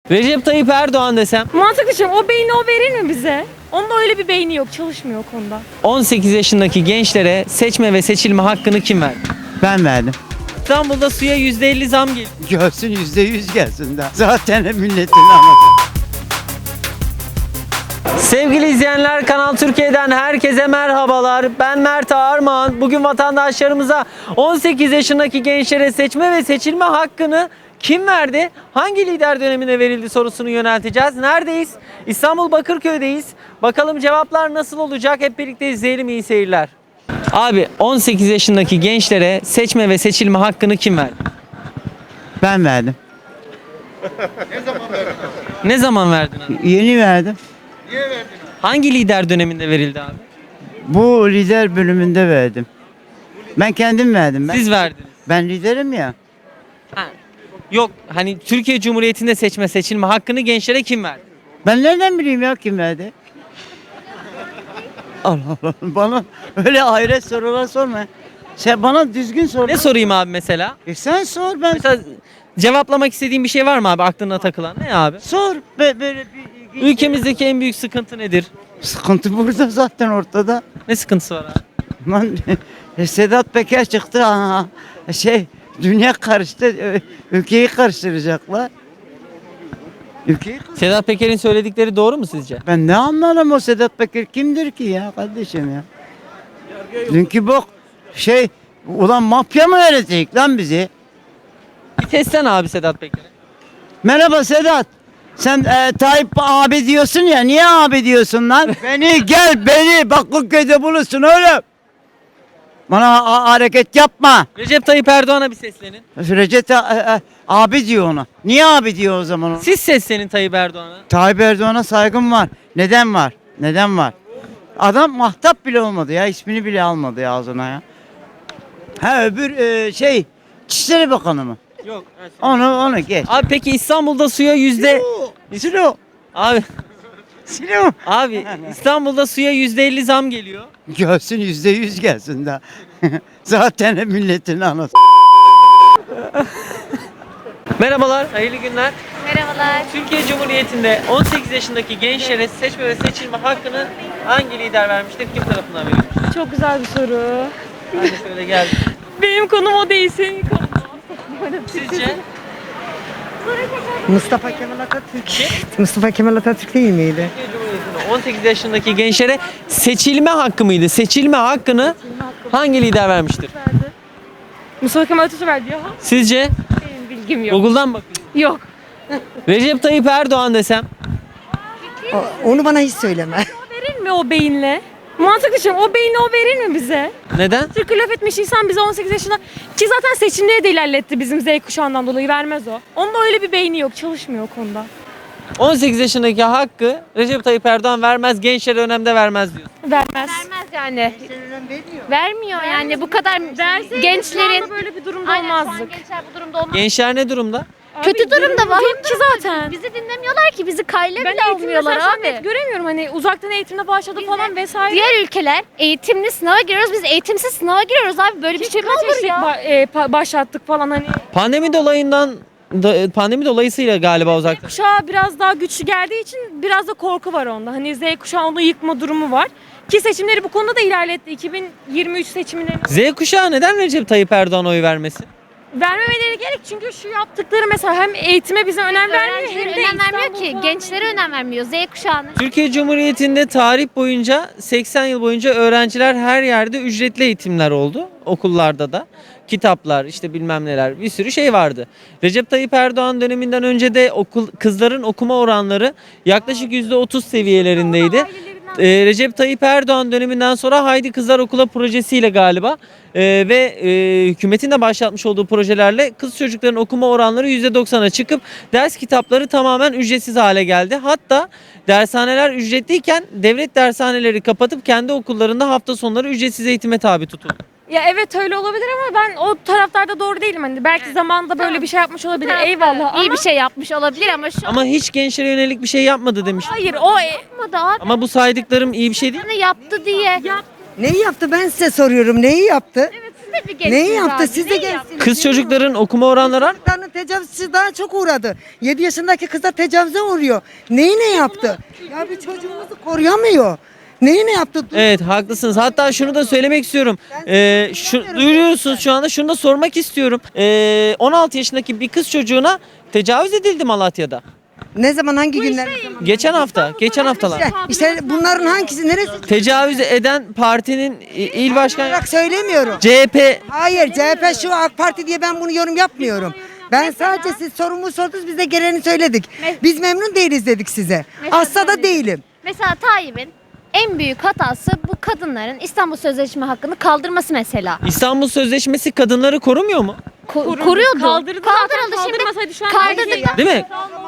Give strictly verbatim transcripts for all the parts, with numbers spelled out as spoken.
Recep Tayyip Erdoğan desem. Mantıklı şey. O beyni o verir mi bize? Onun öyle bir beyni yok. Çalışmıyor o konuda. on sekiz yaşındaki gençlere seçme ve seçilme hakkını kim verdi? Ben verdim. İstanbul'da suya yüzde elli zam geliyor. Görsün yüzde yüz gelsin de. Zaten milletin anası. Sevgili izleyenler, Kanal Türkiye'den herkese merhabalar. Ben Mert Armağan. Bugün vatandaşlarımıza on sekiz yaşındaki gençlere seçme ve seçilme hakkını kim verdi? Hangi lider dönemine verildi sorusunu yönelteceğiz. Neredeyiz? İstanbul Bakırköy'deyiz. Bakalım cevaplar nasıl olacak? Hep birlikte izleyelim, iyi seyirler. Abi, on sekiz yaşındaki gençlere seçme ve seçilme hakkını kim verdi? Ben verdim. Ne zaman verdin abi? Yeni verdim. Hangi lider döneminde verildi abi? Bu lider bölümünde verdim. Ben kendim verdim. Ben, Siz verdiniz. ben liderim ya. Ha. Yok, hani Türkiye Cumhuriyeti'nde seçme seçilme hakkını gençlere kim verdi? Ben nereden bileyim ya kim verdi? Allah Allah. Bana öyle ahiret sorular sorma. Sen bana düzgün sor. Ne sorayım abi mesela? E sen sor ben. Mesela cevaplamak istediğin bir şey var mı abi aklına takılan? Ne abi? Sor. Be, böyle bir ilginç- Ülkemizdeki en büyük sıkıntı nedir? Sıkıntı burada zaten ortada. Ne sıkıntısı var abi? Lan Sedat Peker çıktı ha. Şey dünya karıştı. ö- Ülkeyi karıştıracaklar. Ülkeyi karıştır- Sedat Peker'in söyledikleri doğru mu sizce? Ben ne anlarım o Sedat Peker kimdir ki ya kardeşim ya? Dünkü bok şey ulan mafya mı öğretecek lan bizi? Bir testten abi Sedat Peker'i. Merhaba Sedat. Sen e, Tayyip abi diyorsun ya, niye abi diyorsun lan? Beni gel beni Bakırköy'de bulursun oğlum. Bana a- hareket yapma. Recep Tayyip Erdoğan'a bir seslenin. Recep Ta- e, e, abi diyor ona. Niye abi diyor o zaman ona? Siz seslenin Tayyip Erdoğan'a. Tayyip Erdoğan'a saygım var. Neden var? Neden var? Adam mahtap bile olmadı ya. İsmini bile almadı ya ağzına ya. Ha öbür e, şey İçişleri Bakanı mı? Yok. Onu onu geç. Abi peki İstanbul'da suya yüzde... Silo. Abi, Silo. abi İstanbul'da suya yüzde elli zam geliyor. Gelsin yüzde yüz gelsin de. Zaten milletin anası. Merhabalar, hayırlı günler. Merhabalar. Türkiye Cumhuriyeti'nde on sekiz yaşındaki gençlere seçme ve seçilme hakkını hangi lider vermiştir? Kim tarafından verilmiştir? Çok güzel bir soru. Hadi şöyle gel. Benim konum o değil, senin konun. Sizce? Mustafa Kemal Atatürk. Kim? Mustafa Kemal Atatürk değil miydi? Türkiye Cumhuriyeti'nde on sekiz yaşındaki gençlere seçilme hakkı mıydı? Seçilme hakkını hangi lider vermiştir? Mustafa Kemal Atatürk verdi ya. Sizce? Benim bilgim yok. Google'dan bakıyorsun. Yok. Recep Tayyip Erdoğan desem. O- Onu bana hiç söyleme. Verir mi o beyinle? Mantıklı şey. O beyni o verir mi bize? Neden? Türk'ü laf etmiş insan bize on sekiz yaşında ki zaten seçimleri de ilerletti bizim Z kuşağından dolayı, vermez o. Onun öyle bir beyni yok. Çalışmıyor o konuda. on sekiz yaşındaki hakkı Recep Tayyip Erdoğan vermez, gençlere önemde vermez diyor. Vermez. Vermez yani. Vermiyor yani bu kadar Verseydi şu gençlerin. anda böyle bir durumda Aynen, şu an olmazdık. gençler bu durumda olmaz. Gençler ne durumda? Kötü Abi, durumda var. yok ki zaten. Bizi dinlemiyorlar ki, bizi kayla Ben bile eğitimde almıyorlar mesela abi. net göremiyorum, hani uzaktan eğitimle başladı falan vesaire. Diğer ülkeler eğitimli sınava giriyoruz, biz eğitimsiz sınava giriyoruz abi. Böyle bir şey mi Kaç olur eşlik ya? ba- e, pa- başlattık falan hani. Pandemi dolayından da- pandemi dolayısıyla galiba uzak. Kuşağı biraz daha güçlü geldiği için biraz da korku var onda. Hani Z kuşağı onu yıkma durumu var. Ki seçimleri bu konuda da ilerletti. iki bin yirmi üç seçimlerini Z kuşağı neden Recep Tayyip Erdoğan oy vermesin? vermemeleri gerek, çünkü şu yaptıkları mesela hem eğitime bize önem vermiyor Öğrencilere hem de önem vermiyor İstanbul ki, falan gençlere veriyor. önem vermiyor, Z kuşağına. Türkiye Cumhuriyeti'nde tarih boyunca seksen yıl boyunca öğrenciler her yerde ücretli eğitimler oldu. Okullarda da. Kitaplar, işte bilmem neler, bir sürü şey vardı. Recep Tayyip Erdoğan döneminden önce de okul kızların okuma oranları yaklaşık yüzde otuz seviyelerindeydi. Ee, Recep Tayyip Erdoğan döneminden sonra Haydi Kızlar Okula projesiyle galiba e, ve e, hükümetin de başlatmış olduğu projelerle kız çocukların okuma oranları yüzde doksana çıkıp ders kitapları tamamen ücretsiz hale geldi. Hatta dershaneler ücretliyken devlet dershaneleri kapatıp kendi okullarında hafta sonları ücretsiz eğitime tabi tutuldu. Ya evet öyle olabilir ama ben o taraftarda doğru değilim. Hani belki zamanında böyle Tamam. bir şey yapmış olabilir. Taraftar Eyvallah iyi ama bir şey yapmış olabilir ama şu Ama hiç gençlere yönelik bir şey yapmadı demiş. hayır o e- yapmadı abi. Ama bu saydıklarım iyi bir şey değil. Yaptı diye. yap Neyi yaptı ben size soruyorum. Neyi yaptı? evet siz de bir geçtiniz Neyi yaptı? abi, Siz de neyi gelsiniz. Kız çocukların okuma oranları artmış. Çocukların tecavüzçü daha çok uğradı. yedi yaşındaki kızlar tecavüze uğruyor. Neyi ne yaptı? Ya bir çocuğumuzu koruyamıyor. Neyi ne yaptı? Dur- Evet haklısınız. Hatta şunu da söylemek istiyorum. Ee, şu, duyuruyorsunuz şu anda. Şunu da sormak istiyorum. Ee, on altı yaşındaki bir kız çocuğuna tecavüz edildi Malatya'da. Ne zaman hangi günler? ne zaman? Geçen hafta. Geçen haftalar. İşte, işte bunların hangisi neresi? Tecavüz eden partinin i- il başkanı Olarak söylemiyorum. C H P. Hayır C H P şu AK Parti diye ben bunu yorum yapmıyorum. Ben sadece siz sorumu sordunuz biz de gereğini söyledik. Biz memnun değiliz dedik size. Mesela Asla da değilim. Mesela Tayyip'in en büyük hatası bu kadınların İstanbul Sözleşme hakkını kaldırması mesela. İstanbul Sözleşmesi kadınları korumuyor mu? Ko- koruyordu. Kaldırdı zaten, Kaldırıldı kaldırmasaydı şu an Kaldırdı. belki- Değil mi?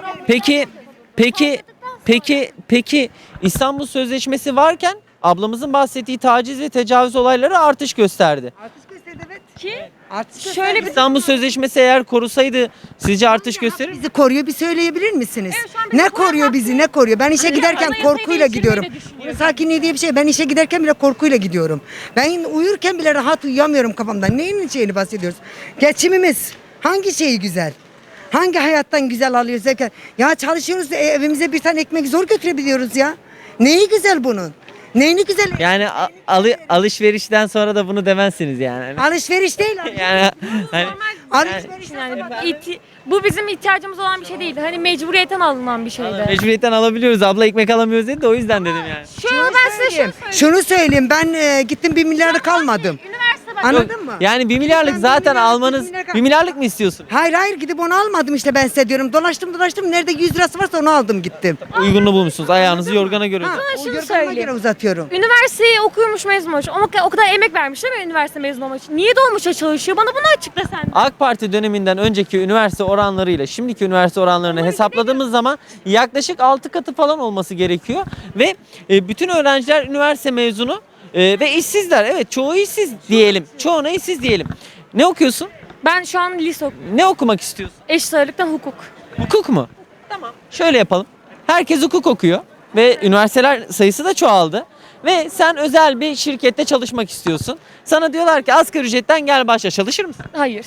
Peki peki peki peki İstanbul Sözleşmesi varken ablamızın bahsettiği taciz ve tecavüz olayları artış gösterdi. Artış gösterdi evet. Ki Artış şöyle bir İstanbul Sözleşmesi eğer korusaydı sizce artış gösterir mi? bizi koruyor bir söyleyebilir misiniz? Evet, şu an bizi Ne koruyan koruyor bizi ne koruyor? Ben işe giderken anayasayı korkuyla değiştirmeyi gidiyorum. de düşünüyorum. Bunun sakinliği diye bir şey. Ben işe giderken bile korkuyla gidiyorum. Ben uyurken bile rahat uyuyamıyorum kafamdan. Neyin şeyini bahsediyoruz? Geçimimiz hangi şeyi güzel? Hangi hayattan güzel alıyoruz derken? Ya çalışıyoruz da evimize bir tane ekmek zor götürebiliyoruz ya. Neyi güzel bunun? Neyini güzel? Yani a- alı- alışverişten sonra da bunu demezsiniz yani. Alışveriş değil. Yani hani Alışveriş. yani ihti- bu bizim ihtiyacımız olan bir şey değildi. Hani mecburiyetten alınan bir şeydi. mecburiyetten alabiliyoruz. Abla ekmek alamıyoruz dedi de o yüzden dedim yani. Şu an ben size şunu söyleyeyim. söyleyeyim. Şunu söyleyeyim. Ben e, gittim bir milyarlık almadım. Üniversite bak. Anladın mı? Yani bir milyarlık Ben bir zaten milyarlık, almanız bir milyarlık- bir milyarlık mı istiyorsun? Hayır hayır gidip onu almadım işte ben size diyorum. Dolaştım dolaştım nerede yüz lirası varsa onu aldım gittim. Uygununu bulmuşsunuz. Ayağınızı yorgana göre. Ha, uzatın. o şunu yorganıma söyleyeyim. göre uzatıyorum. Üniversiteyi okuyormuş mezun olmuş. Ama o kadar emek vermiş değil mi üniversite mezun olmak için? Niye dolmuşa çalışıyor? Bana bunu açıkla sen. de. AK Parti döneminden önceki üniversite oranlarıyla şimdiki üniversite oranlarını hesapladığımız zaman yaklaşık altı katı falan olması gerekiyor. Ve e, bütün öğrenciler üniversite mezunu e, ve işsizler. Evet çoğu işsiz diyelim. Çoğuna işsiz diyelim. Ne okuyorsun? Ben şu an lise okuyorum. Ne okumak istiyorsun? Eşit ağırlıktan hukuk. Hukuk mu? Tamam. Şöyle yapalım. Herkes hukuk okuyor ve üniversiteler sayısı da çoğaldı. Ve sen özel bir şirkette çalışmak istiyorsun. Sana diyorlar ki asgari ücretten gel başla. Çalışır mısın? Hayır.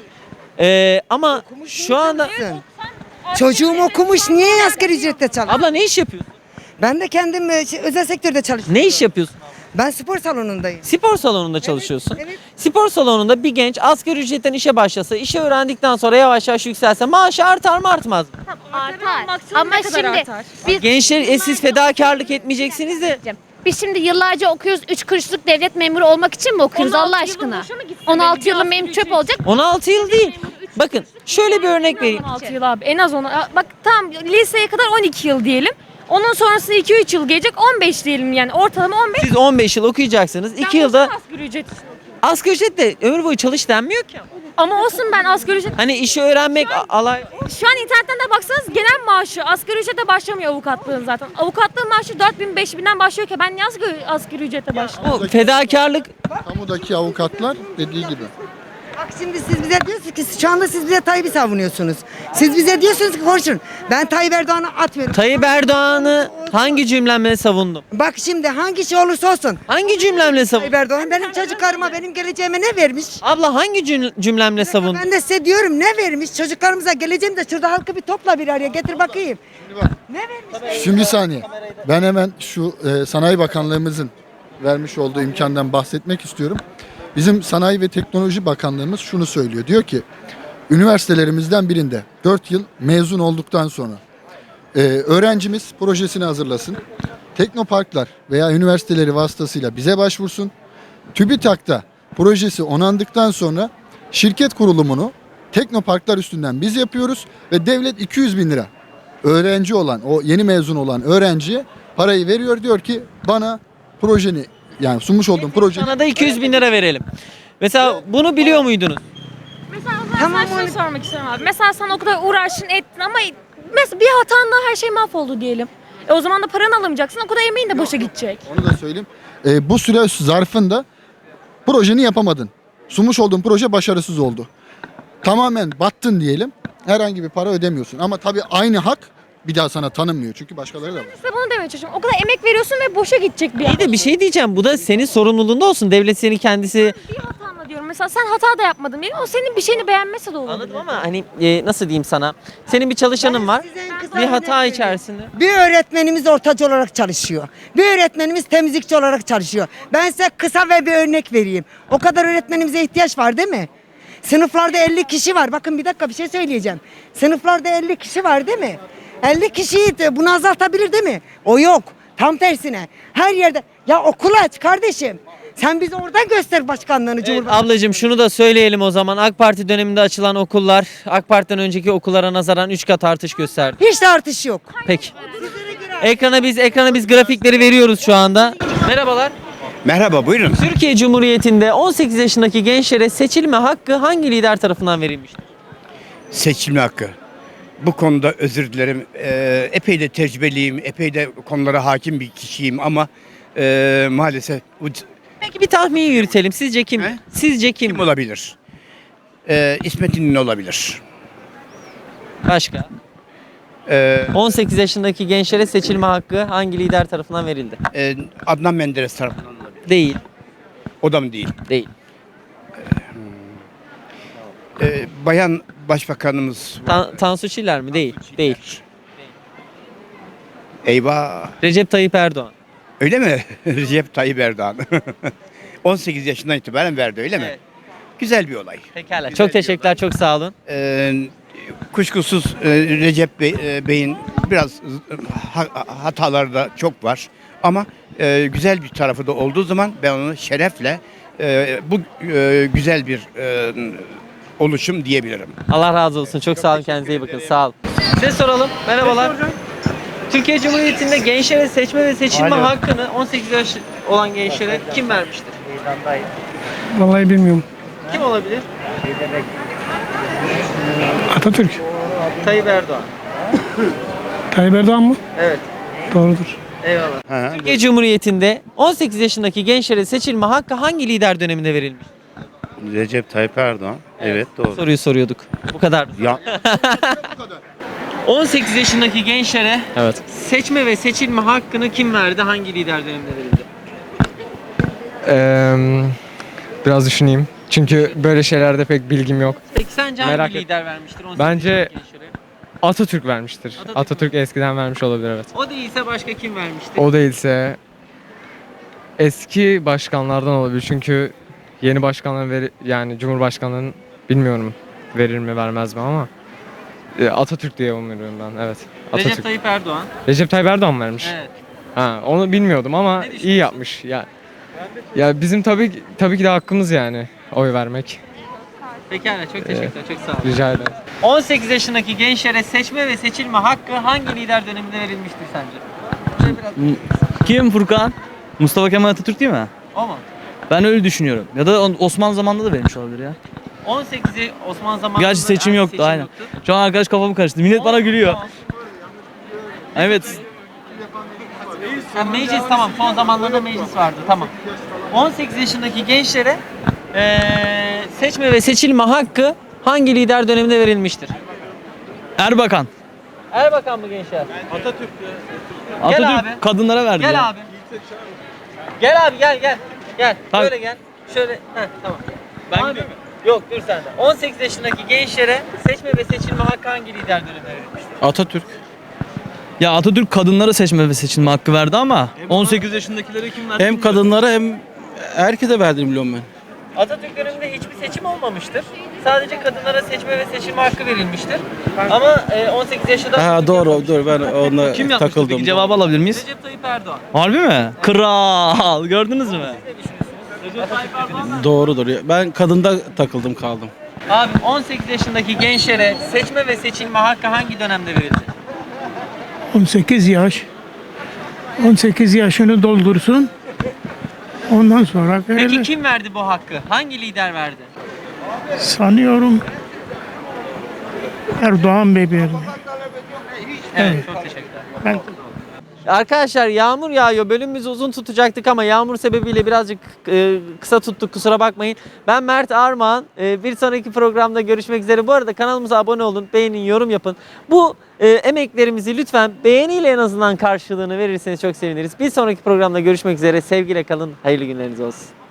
Ee, ama şu anda... Çocuğum okumuş niye asgari ücretle çalışıyor? Abla ne iş yapıyorsun? Ben de kendim e, şey, özel sektörde çalışıyorum. Ne iş yapıyorsun? Ben spor salonundayım. Spor salonunda çalışıyorsun. evet. Spor salonunda bir genç asgari ücretten işe başlasa, işe öğrendikten sonra yavaş yavaş yükselse maaşı artar mı artmaz mı? Artar. Maksimum Ama ne kadar şimdi artar? biz Gençler e, siz fedakarlık etmeyeceksiniz de. biz şimdi yıllarca okuyoruz. Üç kuruşluk devlet memuru olmak için mi okuyoruz on altı Allah yılın aşkına? boşa mı gitsin on altı benim? yılım Bir benim asgari çöp ücret. olacak. on altı yıl değil. Bakın şöyle bir örnek vereyim. on altı yıl abi. En az ona. Bak tamam liseye kadar on iki yıl diyelim. Onun sonrası iki üç yıl gelecek on beş diyelim yani. Ortalama on beş. Siz on beş yıl okuyacaksınız. iki Ben yılda boşuna asgari ücret istiyorum. asgari ücret de ömür boyu çalış denmiyor ki. Ama olsun ben asgari ücret... Hani işi öğrenmek a- alay. Şu an internetten de baksanız genel maaşı asgari ücrete başlamıyor avukatlığın zaten. Avukatlığın maaşı dört bin beş binden başlıyor ki ben niye asgari, asgari ücrete başlıyorum? Bu fedakarlık Kamudaki avukatlar dediği gibi. Bak şimdi siz bize diyorsunuz ki şu anda siz bize Tayyip'i savunuyorsunuz. Siz bize diyorsunuz ki konuşun. Ben Tayyip Erdoğan'ı atmıyorum. Tayyip Erdoğan'ı hangi cümlemle savundum? Bak şimdi hangi şey olursa olsun. Hangi cümlemle savundum? Tayyip Erdoğan benim çocuklarıma benim geleceğime ne vermiş? Abla hangi cüm- cümlemle savundum? Ben de size diyorum ne vermiş? Çocuklarımıza geleceğim de şurada halkı bir topla bir araya getir bakayım. Ne vermiş? Şimdi bir saniye. Ben hemen şu e, Sanayi Bakanlığımızın vermiş olduğu imkandan bahsetmek istiyorum. Bizim Sanayi ve Teknoloji Bakanlığımız şunu söylüyor. Diyor ki üniversitelerimizden birinde dört yıl mezun olduktan sonra e, öğrencimiz projesini hazırlasın. Teknoparklar veya üniversiteleri vasıtasıyla bize başvursun. TÜBİTAK'ta projesi onandıktan sonra şirket kurulumunu teknoparklar üstünden biz yapıyoruz ve devlet iki yüz bin lira öğrenci olan, o yeni mezun olan öğrenciye parayı veriyor. Diyor ki bana projeni, yani sunmuş olduğum projeni Sana da iki yüz bin lira verelim. Mesela bunu biliyor muydunuz? Mesela o zaman Tamam, sana öyle- şunu sormak istiyorum abi. Mesela sen o kadar uğraştın ettin ama mesela bir hatanla her şey mahvoldu diyelim. E o zaman da paranı alamayacaksın. O kadar emeğin de boşa gidecek. onu da söyleyeyim. E, bu süre zarfında projeni yapamadın. Sunmuş olduğun proje başarısız oldu. Tamamen battın diyelim. Herhangi bir para ödemiyorsun. Ama tabii aynı hak bir daha sana tanınmıyor. Çünkü başkaları da var. Size bunu demeye çalışıyorum. O kadar emek veriyorsun ve boşa gidecek bir İyi de bir şey diyeceğim. Bu da senin sorumluluğunda olsun. Devlet seni kendisi... Bir hatanla ediyorum. Mesela sen hata da yapmadın diyelim. O senin bir şeyini beğenmese de olur. Anladım ama hani e, nasıl diyeyim sana? Senin bir çalışanın var. size en kısa Bir örnek hata vereyim. içerisinde. Bir öğretmenimiz ortacı olarak çalışıyor. Bir öğretmenimiz temizlikçi olarak çalışıyor. Ben size kısa ve bir örnek vereyim. O kadar öğretmenimize ihtiyaç var değil mi? Sınıflarda elli kişi var. Bakın bir dakika bir şey söyleyeceğim. Sınıflarda elli kişi var değil mi? elli kişiyi de bunu azaltabilir değil mi? O yok. Tam tersine. Her yerde. Ya okul aç kardeşim. Sen bize oradan göster başkanlığını Evet, Cumhurbaşkanı. ablacığım şunu da söyleyelim o zaman. AK Parti döneminde açılan okullar AK Parti'den önceki okullara nazaran üç kat artış gösterdi. Hiç de artış yok. Peki. Ekrana biz ekrana biz grafikleri veriyoruz şu anda. Merhabalar. Merhaba, buyurun. Türkiye Cumhuriyeti'nde on sekiz yaşındaki gençlere seçilme hakkı hangi lider tarafından verilmiştir? Seçilme hakkı. Bu konuda özür dilerim. Ee, epey de tecrübeliyim, epey de konulara hakim bir kişiyim ama ee, maalesef bu c- Peki bir tahmin yürütelim. Sizce kim? He? Sizce kim? kim olabilir? Ee, İsmet İnönü olabilir. Başka? Ee, on sekiz yaşındaki gençlere seçilme hakkı hangi lider tarafından verildi? e, Adnan Menderes tarafından olabilir. Değil. O da mı değil? Değil. Ee, bayan Başbakanımız Tan- Tansu Çiller mi? Değil. Değil. eyvah. Recep Tayyip Erdoğan. Öyle mi? Recep Tayyip Erdoğan. on sekiz yaşından itibaren verdi öyle mi? Evet. Güzel bir olay. Pekala. Güzel Çok bir teşekkürler. Çok sağ olun. Ee, kuşkusuz e, Recep Bey, e, Bey'in biraz e, ha- hataları da çok var. Ama e, güzel bir tarafı da olduğu zaman ben onu şerefle e, bu e, güzel bir e, oluşum diyebilirim. Allah razı olsun. Çok sağ olun. Kendinize iyi bakın. Sağ olun. Size soralım. Merhabalar. Türkiye Cumhuriyeti'nde gençlere seçme ve seçilme hakkını on sekiz yaş olan gençlere kim vermiştir? Vallahi bilmiyorum. Kim olabilir? Atatürk. Tayyip Erdoğan. Tayyip Erdoğan mı? Evet. Doğrudur. Eyvallah. Ha, Türkiye Cumhuriyeti'nde on sekiz yaşındaki gençlere seçilme hakkı hangi lider döneminde verilmiş? Recep Tayyip Erdoğan. Evet, doğru. Soruyu soruyorduk. Bu kadar. Ya on sekiz yaşındaki gençlere Evet. seçme ve seçilme hakkını kim verdi? Hangi lider döneminde verildi? Eee, biraz düşüneyim. Çünkü böyle şeylerde pek bilgim yok. Peki sence Merak hangi et- lider vermiştir on sekiz Bence- yaşındaki gençlere? Atatürk vermiştir. Atatürk Atatürk, eskiden vermiş olabilir, evet. O değilse başka kim vermiştir? O değilse eski başkanlardan olabilir. Çünkü yeni başkanların veri, yani Cumhurbaşkanlığının bilmiyorum verir mi vermez mi ama e, Atatürk diye umuyorum ben. Evet. Atatürk. Recep Tayyip Erdoğan. Recep Tayyip Erdoğan vermiş. Evet. Ha, onu bilmiyordum ama Ne düşünüyorsun? iyi yapmış. Ya ya bizim tabii ki- tabii ki de hakkımız yani oy vermek. Pekala çok teşekkürler. Çok sağ olun. Rica ederim. on sekiz yaşındaki gençlere seçme ve seçilme hakkı hangi lider döneminde verilmiştir sence? Şöyle biraz- Kim Furkan? Mustafa Kemal Atatürk değil mi? O mu? Ben öyle düşünüyorum. Ya da Osmanlı zamanında da vermiş olabilir ya. on sekizi Osmanlı zamanında Gerçi seçim Ay, yoktu seçim aynen. yoktu. Şu an arkadaş kafamı karıştı. Millet bana gülüyor. Tamam. Evet. Ha, meclis tamam. Son zamanlarda meclis vardı. Tamam. on sekiz yaşındaki gençlere eee, seçme ve seçilme hakkı hangi lider döneminde verilmiştir? Erbakan. Erbakan mı gençler? Atatürk Gel abi. kadınlara verdi ya. Gel abi. Gel abi gel gel. Gel. Tabii. Böyle gel. Şöyle. Heh, tamam. Ben abi, Yok dur sen de. on sekiz yaşındaki gençlere seçme ve seçilme hakkı hangi lider döneminde verilmiştir? Atatürk. Ya Atatürk kadınlara seçme ve seçilme hakkı verdi ama on sekiz yaşındakilere kim verdi? hem kadınlara hem herkese verdiğini biliyorum ben. Atatürk döneminde hiçbir seçim olmamıştır. Sadece kadınlara seçme ve seçilme hakkı verilmiştir. Ama e, on sekiz yaşında Ha Atatürk doğru yapmamıştır. doğru ben onunla Kim yapmıştı takıldım. peki? Cevabı alabilir miyiz? Recep Tayyip Erdoğan. Harbi mi? Kral gördünüz mü? Ne düşünüyorsunuz? Recep Tayyip Erdoğan mı? Doğrudur. Ben kadında takıldım kaldım. Abi on sekiz yaşındaki gençlere seçme ve seçilme hakkı hangi dönemde verildi? on sekiz yaş. on sekiz yaşını doldursun. Ondan sonra Peki verilir. kim verdi bu hakkı? Hangi lider verdi? Sanıyorum Erdoğan Bey verdi. Evet, çok teşekkürler. Ben Arkadaşlar yağmur yağıyor. Bölümümüzü uzun tutacaktık ama yağmur sebebiyle birazcık e, kısa tuttuk. Kusura bakmayın. Ben Mert Armağan. E, bir sonraki programda görüşmek üzere. Bu arada kanalımıza abone olun, beğenin, yorum yapın. Bu e, emeklerimizi lütfen beğeniyle en azından karşılığını verirseniz çok seviniriz. Bir sonraki programda görüşmek üzere. Sevgiyle kalın. Hayırlı günleriniz olsun.